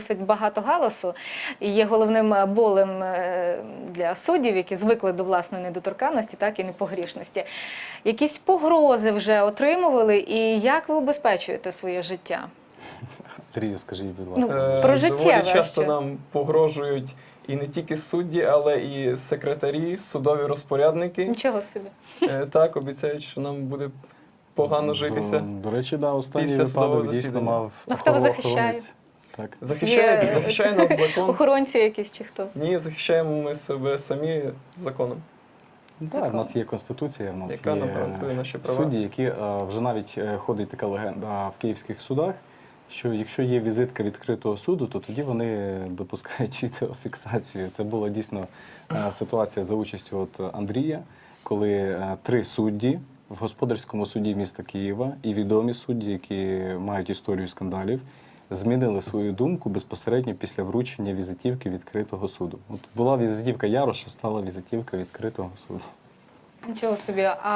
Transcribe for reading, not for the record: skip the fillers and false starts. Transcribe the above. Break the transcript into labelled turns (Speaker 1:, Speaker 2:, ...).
Speaker 1: досить багато галасу і є головним болем для суддів, які звикли до власної недоторканності, так і непогрішності. Якісь погрози вже отримували, і як ви убезпечуєте своє життя?
Speaker 2: Андрію, скажіть, будь ласка.
Speaker 1: Про життєве
Speaker 3: Доволі часто
Speaker 1: ще.
Speaker 3: нам погрожують і не тільки судді, але і секретарі, судові розпорядники.
Speaker 1: Нічого собі.
Speaker 3: Так, обіцяють, що нам буде погано житися.
Speaker 2: До речі, да, останній
Speaker 3: після судового
Speaker 2: випадок дійсно
Speaker 3: засідання.
Speaker 2: мав
Speaker 1: А хто вас захищає?
Speaker 2: охоронець. Так.
Speaker 3: Захищає нас закон.
Speaker 1: Охоронці якісь чи хто?
Speaker 3: Ні, захищаємо ми себе самі законом,
Speaker 2: Так, в нас є Конституція, в нас
Speaker 3: яка нам
Speaker 2: є
Speaker 3: гарантує наші права.
Speaker 2: судді, які вже навіть ходить така легенда в київських судах, що якщо є візитка відкритого суду, то тоді вони допускають відеофіксацію. Це була дійсно ситуація за участю Андрія, коли 3 судді в господарському суді міста Києва і відомі судді, які мають історію скандалів, змінили свою думку безпосередньо після вручення візитівки відкритого суду. От була візитівка Яроша, стала візитівка відкритого суду.
Speaker 1: Нічого собі.